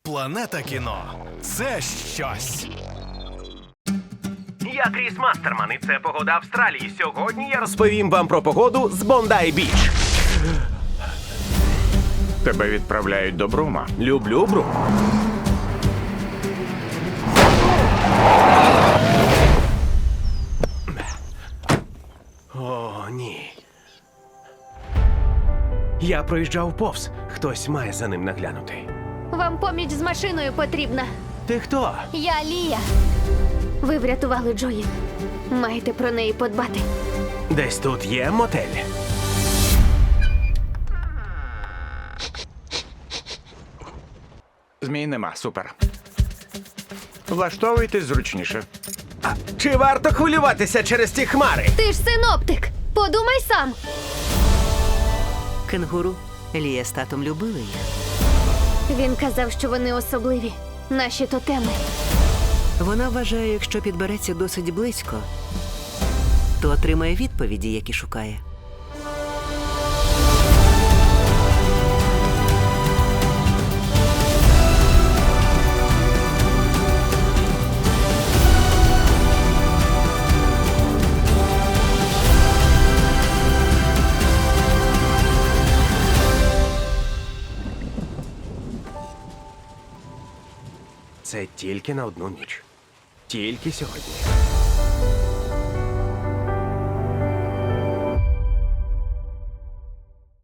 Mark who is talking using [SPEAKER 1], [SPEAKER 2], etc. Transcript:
[SPEAKER 1] Планета кіно – це щось.
[SPEAKER 2] Я Кріс Мастерман, і це погода Австралії. Сьогодні я розповім вам про погоду з Бондай-Біч.
[SPEAKER 3] Тебе відправляють до Брума.
[SPEAKER 2] Люблю Брум. О, ні. Я проїжджав повз. Хтось має за ним наглянути.
[SPEAKER 4] Вам поміч з машиною потрібна.
[SPEAKER 2] Ти хто?
[SPEAKER 4] Я Лія. Ви врятували Джої. Маєте про неї подбати.
[SPEAKER 2] Десь тут є мотель.
[SPEAKER 3] Змій нема, супер. Влаштовуйтесь зручніше.
[SPEAKER 2] Чи варто хвилюватися через ті хмари?
[SPEAKER 4] Ти ж синоптик. Подумай сам.
[SPEAKER 5] Кенгуру. Лія з татом любили їх.
[SPEAKER 4] Він казав, що вони особливі. Наші тотеми.
[SPEAKER 5] Вона вважає, якщо підбереться досить близько, то отримає відповіді, які шукає.
[SPEAKER 2] Це тільки на одну ніч. Тільки сьогодні.